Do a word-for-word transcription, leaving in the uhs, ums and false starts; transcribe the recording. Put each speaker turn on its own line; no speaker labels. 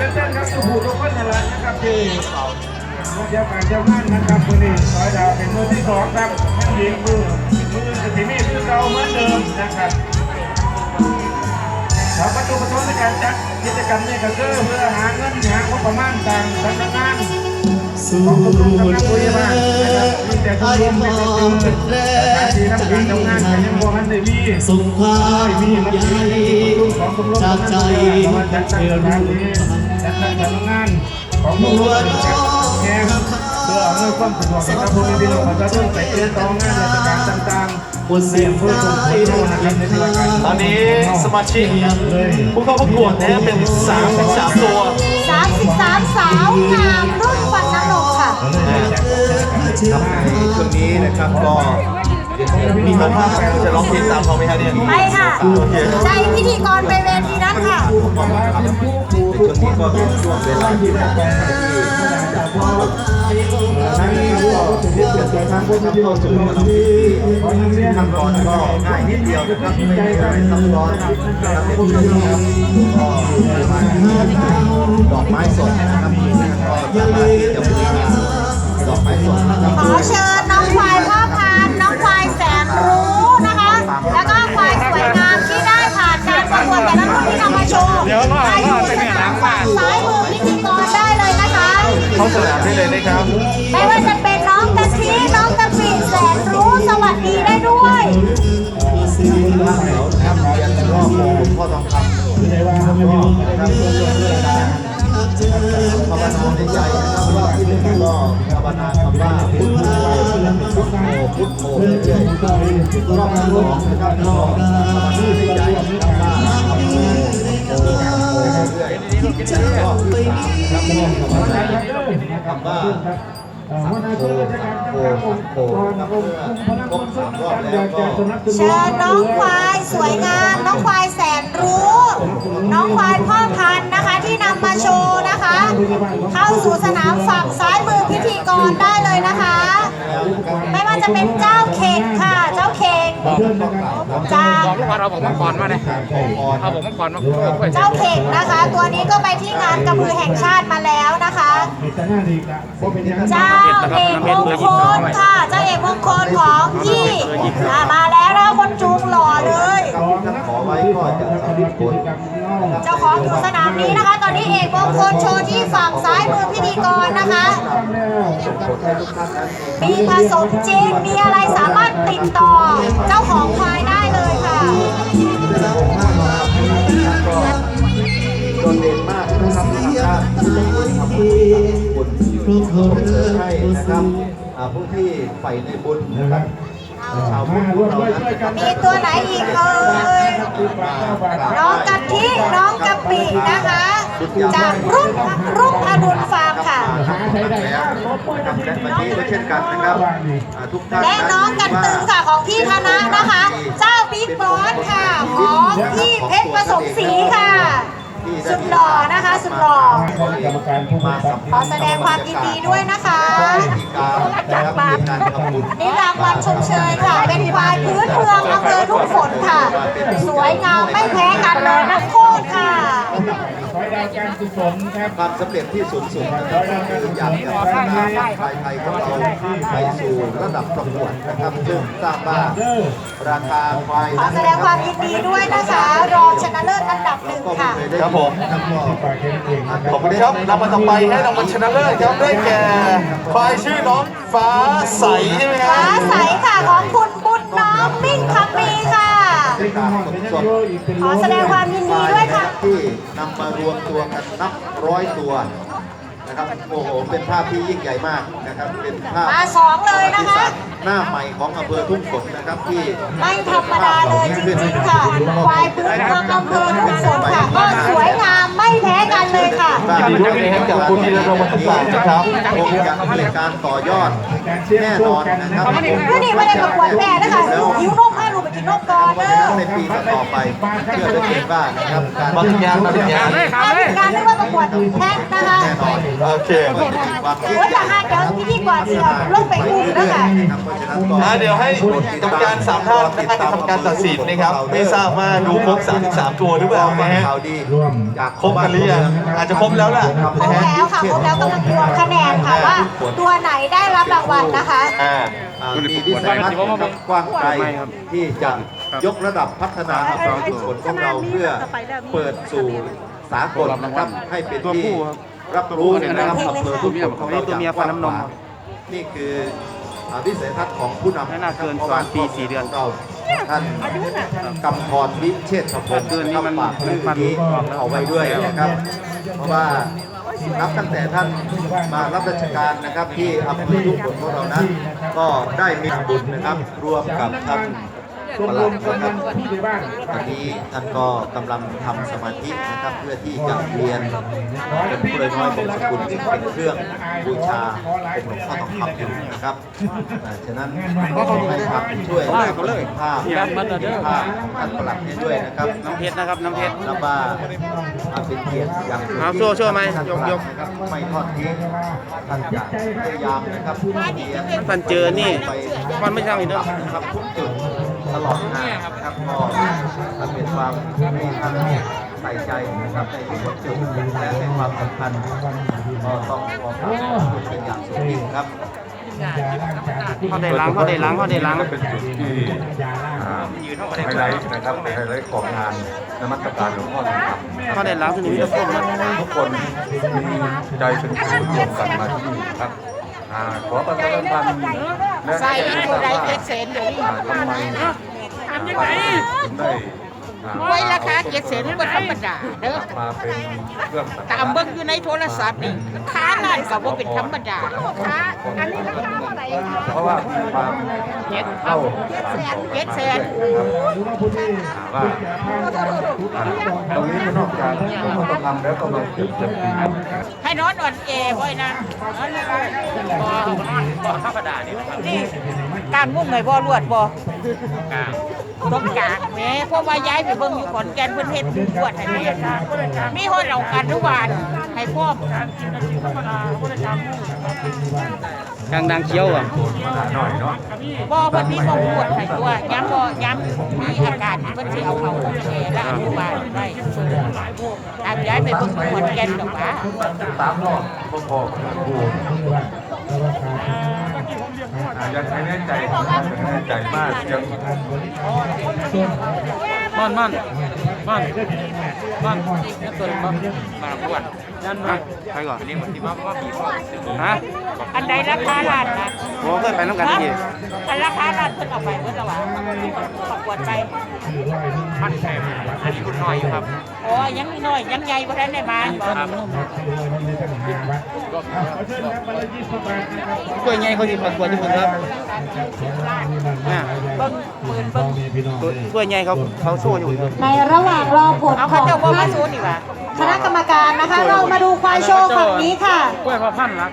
เต้นครับผู้ทุกคนนั่นแหละนะครับที่มาเจ้าการเจ้าบ้านนะครับคนนี้ซอยดาวเป็นมือที่สองครับยังยิงมือมือสถิมีคือเก่าเหมือนเดิมนะครับสาวประตูประตูในการจัดกิจกรรมนี้ก็คือเพื่อหาเงินหางบประมาณต่างสำนักงานของกรมสำนักพยาบาลนะครับมีแต่ผู้ร่วมเป็นจุดสถานที่ทำการทำงานกันยังบ่ทันได้มี
ส่งความใหญ่จากใจ
จัดตั้งสถานที่จัดตั้งสำนักงานของกรมสำนักแห่งเพื่ออำนวยความสะดวกให้กับผู้มีพี่น้องประชาชนไปเดินต่องานราชการต่างๆคนเสี่ยงผู้ชมผู้ชมนะครับในรายการ
ตอนนี้สมาชิกผู้เข้าประกวดนะเป็นสามสิบสามตัว
สามสิบสามสาวงามรุ่นฟันน้ำนมค่ะ
ครับในช่วงนี้นะครับก็มีคนภาพจะร้องเพลงตามเขาไหมฮะเนี่ย
ไปค่ะใจพิธีกรไปเวทีนั้นค่ะ
ในช่วงนี้ก็เป็นช่วงเวลาที่แบบนั่นก็เรียกเกิดทางพวกเข้าสู่ขั้นตอนก็ง่ายนิดเดียวนะครับไม่ได้ซับซ้อนนะครับเป็นที่ครับก็มาดอกไม้สดนะครับก็สามารถที่จะบูชาดอกไม้สดนะครับ
ขอเชิญน้องควายพ่อพันธุ์น้องควายแสนรู้นะคะแล้วก็ควายสวยงามที่ได้ผ่านการประกวดแต่ละรุ่นที่นำมาโชว์มาอยู่สนามฝั่งซ้ายมือพิธีกรได้เลยนะคะ
เข้าสนามได้เลยนะครับ
ไม่ว่าจะเป็นน้องกะทิน้องกะปิแสนรู้สวัสดีได้ด้วย
ท่านเหนียวนะครับเรียนรอบโมพ่อทองคำในว่าก็นะครับเพื่อเพื่อเพื่อการภาวนาในใจนะครับรอบที่หนึ่งก็ภาวนาคำว่าพุทโธพุทโธพุทโธเรื่อยๆรอบที่สองนะครับก็ภาวนาในใจนะครับว่าพุทโธพุทโธเรื่อยๆรอบที่สามนะครับก็ภาวนาคำว่าสังโฆสังโฆสังโฆนะครับเมื่อครบสามรอบแล้วก็
เชิญน้องควายสวยงามน้องควายแสนรู้น้องควายพ่อพันธุ์นะคะที่นำมาโชว์นะคะเข้าสู่สนามฝั่งซ้ายมือพิธีกรได้เลยนะคะไม่ว่าจะเป็นเจ้าเข่งค่ะเจ้าเข่งจาก
บอกลูกว่าเราบอกมังกรมาเลยเอาบอกมังกรมา
เจ้าเข่งนะคะตัวนี้ก็ไปที่งานกระบือแห่งชาติมาแล้วนะคะเจ้าเอกมงคลค่ะเจ้าเอกมงคลของพี่มาแล้วแล้วคนจูงหล่อเลย
ขอไว้ก็จะสำเร็จผล
เจ้าของอยู่สนามนี้นะคะตอนนี้เอกมงคลโชว์ที่ฝั่งซ้ายมือพิธีกรนะคะมีผสมจริงมีอะไรสามารถติดต่อเจ้าของควายได้เลยค่ะ
โดดเด่นมากนะครับทางด้านผู้ทำบุญทำบุญให้นะครับผู้ที่ใฝ่ในบุญนะครับชาวพุทธเรา
มีตัวไหนอีกเอ่ยน้องกะทิน้องกะปินะคะจากรุ่นรุ่งอรุณฟาร์มค่ะ
และวันนี้ก็เช่นกันนะครับทุกท่าน
และน้องกันตึงค่ะของพี่ธนะนะคะเจ้าบิ๊กบอสค่ะของพี่เพชรประสมศรีค่ะสุดหล่อนะคะสุดหล่อขอแสดงความยินดีด้วยนะคะนี่รางวัลชมเชยค่ะเป็นควายพื้นเมืองอำเภอทุ่งฝนค่ะสวยงามไม่แพ้กันเลยนะโคตรค่ะ
ความสำเร็จที่สูงสุดนะครับคืออยากจะพัฒนาควายไทยของเราไปสู่ระดับประกวดนะครับซึ่งทราบว่าราคาควาย
ขอแสดงความยินดีด้วยนะคะรองชนะเลิศอันดับหนึ่งค่ะ
ครับผม
ขอบคุณครับรางวัลต่อไปให้รางวัลชนะเลิศครับได้แก่ควายชื่อน้องฟ้าใสใช่ไหมครับ
ฟ้าใสค่ะของคุณบุญน้อมมิ่งคำมีค่ะขอแสดงความยินดีด้วยค่ะ
ที่นำมารวมตัวกันนับร้อยตัวนะครับโอ้โหเป็นภาพที่ยิ่งใหญ่มากนะครับเป็นภาพ
มาสองเลยนะคะ
หน้าใหม่ของอำเภอทุ่งฝนนะครับที่
ไม่ธรรมดาเลยจริงๆค่ะควายพื้นเมืองอำเภอทุ่งฝนค่ะก็สวยงามไม่แพ้กันเลยค่ะ
ยินดีด้วยนะครับกับคุณธีรพงศ์วัฒน์ศาสตร์นะครับคงจะเป็นการต่อยอดแน่นอนนะครับ
เพื่อนี่ไม่ได้ประกวดแม่นะคะหิวนมให้ลูกไปกินนนกกอเด้อ
ในปีต่อๆไปเชื่อได้เกินว่านะครับการ
มาถึงงานมาถึงงาน
งานการไม่ว่าประกวดแท็กนะคะ
แน่นอน
โอเค
ความคิด
โอ้ยจะให้เดี๋ยวพิธีกรเสียลงไปอุ้มนะคะ
เพราะฉะนั้นก็
อ่าเดี๋ยวให้กรรมการสามท่านนะครับทำการตัดสินนะครับไม่ทราบว่าดูครบสามสิบสามตัวหรือเปล่านะฮะ
ข่าวดี
ร่วม
จาก
ครบกันหรือยังอาจจะครบแล้วล่ะ
ครบแล้วค่ะครบแล้วกำลังรวมคะแนนค่ะว่า ตัวไหนได้รับรางวัลนะคะ
อ่า
อ่ามีวิสัยทัศน์นะครับกว้างไกลที่จะยกระดับพัฒนาอัตราชุมชนของเราเพื่อเปิดสู่สากลนะครับให้เป็นที่รับรู้นะครับอำเภอทุกคนของเราอย่างกว้างขวางนี่คืออ่าวิสัยทัศน์ของผู้นำ
น่าเกินสองปีสี่เดือน
เราท่านกำพรวิเชษฐพงศ์
เกินนี่มัน
ฝากเรื่องนี้เอาไว้ด้วยนะครับ เพราะว่านับตั้งแต่ท่านมารับราชการนะครับที่อำเภอทุกคนของเรานั้นก็ได้มีบุญนะครับร่วมกับท่านปลัดนะครับตอนนี้ท่านก็กำลังทำสมาธินะครับเพื่อที่จะเรียนเป็นผู้เลยน้อยบงสกุลซึ่งเป็นเครื่องบูชาเป็นหลวงพ่อทองคำอยู่นะครับอ่าฉะนั้นก็ขอให้ครับช่วยเขาเลยภาพภาพของท่านปลัดนี้ด้วยนะครับ
น้ำเพชรนะครับน้ำเพชร
นับว่าเป็นเกียรติอย่างสูง
เอาโซ่โซ่ไหม
ท่าน
ยกยก
นะครับไม่ทอดทิ้งท่านจะพยายามนะครับเรียน
ท่านเจอนี่มันไม่ใช่อีกเนอะ
ครับทุกจุดตลอดงานนะครับก็เป็นความที่ท่านใส่ใจนะครับในทุกจุดและในความสำคัญก็ต้องขอบคุณเป็นอย่างสูงยิ่งครับ
เขาได้ล้างเขาได้ล้างเขาได้ล้าง
เป็นจุดที่อ่าไฮไลท์นะครับไฮไลท์ของงานนมัสการหลวงพ่อทองคำ
เขาได้ล้างที่นี่มีแต่ต้นนะ
ทุกคนมีใจเป็นศูนย์รวมกันมาที่นี่ครับอ่าขอประชาสัมพันธ์และ
ใส่
แจ้ง
ตัวใด
ว่า
เจ็ดแสนเดี๋ยวนี้
อ่าทำไมทำยังไงถึงได้อ่า
ไว้ราคาเจ็ดแสนก็ธรรมดาเด้อ
มาเป็นเครื่องสัก
ตามเบิ่งอยู่ในโทรศัพท์นี่ราคานั่นก็บ่เป็นธรรมดาอันนี้ราคาเท่าไหร่คะ
เพราะว่ามีความ
เจ็ด
เข้า
เจ็ดแสน
ว่าอ่าตรงนี้ก็นอกจากต้องทำแล้วก็มาเก็บเก็บปี
ให้นอนอ่อนแอไว้นะนอนบ่บ่ธรรมดานี่นี่การมุ่งไงบ่รวดบ่ต้องกลางแหม่เพราะว่าย้ายไปเบิ่งอยู่ขอนแก่นเพิ่นเฮ็ดรวดให้แม่มีฮอดเรากันทุกวันให้พร้อม
กลางดังเคี้ยวอ่ะ
หน่อยเนาะ
บ่เพิ่นมีบ่ปวดให้ตัวย้ำบ่ย้ำมีอาการเพิ่นสิเอาเข้าห้องแอร์และอนุบาลได้ตามย้ายไปเบิ่งขอนแก่นดอกว่า
สามรอบพอพอดูยังไม่แน่ใจยังไม่แน่ใจมากยัง
มันมันมันมันนี่ตัวมันมาขวดนั่นมาไปก่อนนี่มันที่มาว่าบีบฮะ
อันใดราคาล้านนะ
โอ้เคยไปน้ำกันที่
อันราคาล้านเพิ่นเอาไปเพิ่นเอาว่าประกวดไป
มันแพงอันนี้คุณน้อยอยู่ครับ
โอ้ยังน้อยยังใหญ่บ่ทันได้มาบ่
กล้วยใหญ่เขาที่ประกวดที่คุณครับเนี่ย
เบิ่งปืนเบิ่ง
กล้วยใหญ่เขาเขาโซ่อยู่ครับ
ในระหว่างรอผล
เอา
ข
เขา
อง
เจ้าบ่มา
ท่าน
สู้นี่ว่า
คณะกรรมการนะคะ เรามาดูควายโชว์ฝั่งนี้ค่ะ
กล้วยพอพันละ